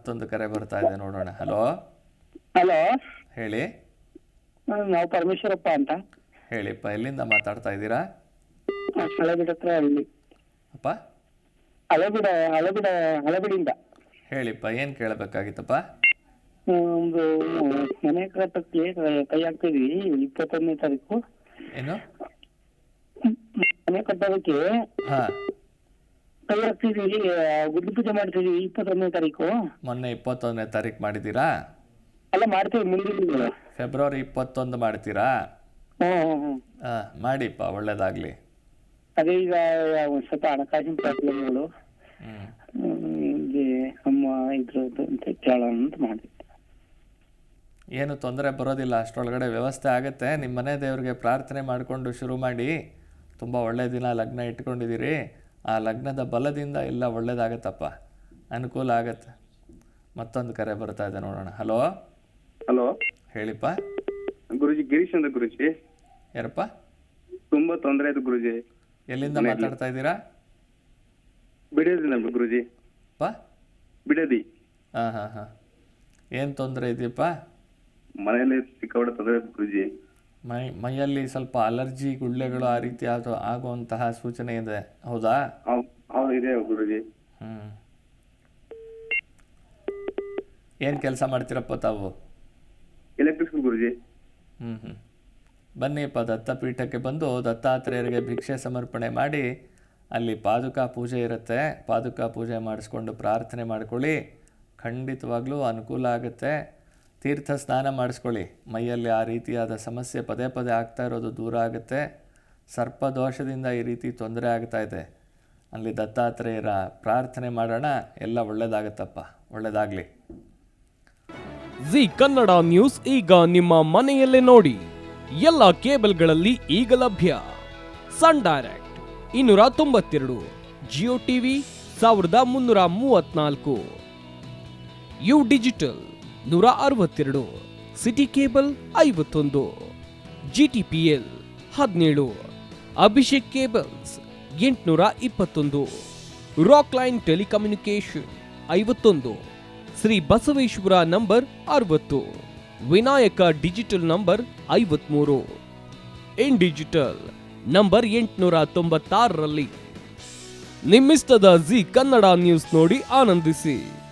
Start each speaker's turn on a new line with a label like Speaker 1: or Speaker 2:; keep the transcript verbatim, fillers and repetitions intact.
Speaker 1: ಮತ್ತೊಂದು ಕರೆ ಬರ್ತಾ ಇದೆ, ನೋಡೋಣ. ಹಲೋ
Speaker 2: ಹಲೋ,
Speaker 1: ಹೇಳಿ.
Speaker 2: ನಾವು ಪರಮೇಶ್ವರಪ್ಪ ಅಂತ.
Speaker 1: ಹೇಳಿಪ್ಪ, ಎಲ್ಲಿಂದ ಮಾತಾಡ್ತಾ ಇದ್ದೀರಾ?
Speaker 2: ಹಳೆಬಿಡ ಹತ್ರ ಹಳ್ಳಿ.
Speaker 1: ಅಪ್ಪ,
Speaker 2: ಹಳೆಬಿಡ ಹಳೆಬಿಡ ಹಳೆಬಿಡಿಂದ.
Speaker 1: ಹೇಳಿಪ್ಪ, ಏನು ಕೇಳಬೇಕಾಗಿತ್ತಪ್ಪ?
Speaker 2: ಒಂದು ಮನೆ ಕಟ್ಟಕ್ಕೆ ಕೈ ಹಾಕ್ತಿದ್ವಿ ಇಪ್ಪತ್ತೊಂದನೇ ತಾರೀಕು.
Speaker 1: ಏನು
Speaker 2: ಮನೆ ಕಟ್ಟೋದಕ್ಕೆ
Speaker 1: ಹಾಂ,
Speaker 2: ಕೈ ಹಾಕ್ತಿದ್ವಿ, ಗುಡ್ಡು ಪೂಜೆ ಮಾಡ್ತಿದ್ವಿ ಇಪ್ಪತ್ತೊಂದನೇ ತಾರೀಕು.
Speaker 1: ಮೊನ್ನೆ ಇಪ್ಪತ್ತೊಂದನೇ ತಾರೀಕು ಮಾಡಿದ್ದೀರಾ?
Speaker 2: ಅಲ್ಲ, ಮಾಡ್ತೀವಿ ಮುಂದಿನ
Speaker 1: ಫೆಬ್ರವರಿ ಇಪ್ಪತ್ತೊಂದು ಮಾಡ್ತೀರಾ?
Speaker 2: ಹ್ಮ್ ಹ್ಮ್ ಹ್ಮ್
Speaker 1: ಹಾಂ, ಮಾಡಿಪ್ಪ, ಒಳ್ಳೇದಾಗಲಿ.
Speaker 2: ಅದೇ ಈಗ ಒಂದ್ ಸ್ವಲ್ಪ ಹಣಕಾಸಿನ ಪ್ರಾಬ್ಲಮ್ಗಳು
Speaker 1: ಹ್ಞೂ
Speaker 2: ನಮ್ಮ ಇದ್ರದ್ದು ಅಂತ ಕೇಳೋಣ ಅಂತ ಮಾಡಿದ್ದೆ.
Speaker 1: ಏನು ತೊಂದರೆ ಬರೋದಿಲ್ಲ, ಅಷ್ಟರೊಳಗಡೆ ವ್ಯವಸ್ಥೆ ಆಗುತ್ತೆ. ನಿಮ್ಮ ಮನೆ ದೇವ್ರಿಗೆ ಪ್ರಾರ್ಥನೆ ಮಾಡಿಕೊಂಡು ಶುರು ಮಾಡಿ. ತುಂಬ ಒಳ್ಳೆಯ ದಿನ ಲಗ್ನ ಇಟ್ಕೊಂಡಿದ್ದೀರಿ, ಆ ಲಗ್ನದ ಬಲದಿಂದ ಎಲ್ಲ ಒಳ್ಳೇದಾಗತ್ತಪ್ಪ, ಅನುಕೂಲ ಆಗತ್ತೆ. ಮತ್ತೊಂದು ಕರೆ ಬರ್ತಾ ಇದೆ, ನೋಡೋಣ. ಹಲೋ
Speaker 3: ಹಲೋ,
Speaker 1: ಹೇಳಿಪ್ಪ.
Speaker 3: ಗುರುಜಿ ಗಿರೀಶ್ ಅಂತ ಗುರುಜಿ.
Speaker 1: ಯಾರಪ್ಪ?
Speaker 3: ತುಂಬಾ ತೊಂದರೆ ಆಯ್ತು ಗುರುಜಿ.
Speaker 1: ಎಲ್ಲಿಂದ ಮಾತಾಡ್ತಾ ಇದ್ದೀರಾ?
Speaker 3: ಬಿಡದಿನ ಗುರುಜಿ.
Speaker 1: ಪ
Speaker 3: ಬಿಡದಿ.
Speaker 1: ಹಾಂ ಹಾಂ ಹಾಂ ಏನು ತೊಂದರೆ ಇದೆಯಪ್ಪ?
Speaker 3: ಮನೆಯಲ್ಲಿ ಸಿಕ್ಕಾಪಟ್ಟೆ ತೊಂದರೆ ಗುರುಜಿ.
Speaker 1: ಮೈ ಮೈಯಲ್ಲಿ ಸ್ವಲ್ಪ ಅಲರ್ಜಿ, ಗುಳ್ಳೆಗಳು ಆ ರೀತಿ ಆಗೋ ಆಗುವಂತಹ ಸೂಚನೆ ಇದೆ, ಹೌದಾ?
Speaker 3: ಹೌದು, ಇದೆ ಗುರುಜಿ.
Speaker 1: ಹ್ಞೂ ಏನು ಕೆಲಸ ಮಾಡ್ತೀರಪ್ಪ ತಾವು?
Speaker 3: ಎಲೆಕ್ಟ್ರಿಷಿಯನ್ ಗುರುಜಿ.
Speaker 1: ಹ್ಞೂ ಹ್ಞೂ ಬನ್ನಿಪ್ಪ, ದತ್ತಪೀಠಕ್ಕೆ ಬಂದು ದತ್ತಾತ್ರೇಯರಿಗೆ ಭಿಕ್ಷೆ ಸಮರ್ಪಣೆ ಮಾಡಿ, ಅಲ್ಲಿ ಪಾದುಕಾ ಪೂಜೆ ಇರುತ್ತೆ, ಪಾದುಕಾ ಪೂಜೆ ಮಾಡಿಸ್ಕೊಂಡು ಪ್ರಾರ್ಥನೆ ಮಾಡ್ಕೊಳ್ಳಿ, ಖಂಡಿತವಾಗ್ಲೂ ಅನುಕೂಲ ಆಗುತ್ತೆ. ತೀರ್ಥ ಸ್ನಾನ ಮಾಡಿಸ್ಕೊಳ್ಳಿ, ಮೈಯಲ್ಲಿ ಆ ರೀತಿಯಾದ ಸಮಸ್ಯೆ ಪದೇ ಪದೇ ಆಗ್ತಾ ಇರೋದು ದೂರ ಆಗುತ್ತೆ. ಸರ್ಪದೋಷದಿಂದ ಈ ರೀತಿ ತೊಂದರೆ ಆಗ್ತಾ ಇದೆ, ಅಲ್ಲಿ ದತ್ತಾತ್ರೇಯರ ಪ್ರಾರ್ಥನೆ ಮಾಡೋಣ, ಎಲ್ಲ ಒಳ್ಳೆಯದಾಗತ್ತಪ್ಪ, ಒಳ್ಳೆಯದಾಗಲಿ.
Speaker 4: ಜಿ ಕನ್ನಡ ನ್ಯೂಸ್ ಈಗ ನಿಮ್ಮ ಮನೆಯಲ್ಲೇ ನೋಡಿ. ಎಲ್ಲ ಕೇಬಲ್ಗಳಲ್ಲಿ ಈಗ ಲಭ್ಯ. ಸನ್ ಡೈರೆಕ್ಟ್ ಇನ್ನೂರ ತೊಂಬತ್ತೆರಡು, ಜಿಯೋ ಟಿವಿ ಸಾವಿರದ ಮುನ್ನೂರ ಮೂವತ್ನಾಲ್ಕು, ಯು ಡಿಜಿಟಲ್ ನೂರ ಅರವತ್ತೆರಡು, ಸಿಟಿ ಕೇಬಲ್ ಐವತ್ತೊಂದು, ಜಿಟಿಪಿಎಲ್ ಹದಿನೇಳು, ಅಭಿಷೇಕ್ ಕೇಬಲ್ಸ್ ಎಂಟುನೂರ ಇಪ್ಪತ್ತೊಂದು, ರಾಕ್ ಲೈನ್ ಟೆಲಿಕಮ್ಯುನಿಕೇಶನ್ ಐವತ್ತೊಂದು, ಶ್ರೀ ಬಸವೇಶ್ವರ ನಂಬರ್ ಅರವತ್ತು, ವಿನಾಯಕ ಡಿಜಿಟಲ್ ನಂಬರ್ ಐವತ್ಮೂರು, ಇನ್ ಡಿಜಿಟಲ್ ನಂಬರ್ ಎಂಟುನೂರ ತೊಂಬತ್ತಾರರಲ್ಲಿ. ನಿಮ್ಮಿಸ್ತದ ಜಿ ಕನ್ನಡ ನ್ಯೂಸ್ ನೋಡಿ ಆನಂದಿಸಿ.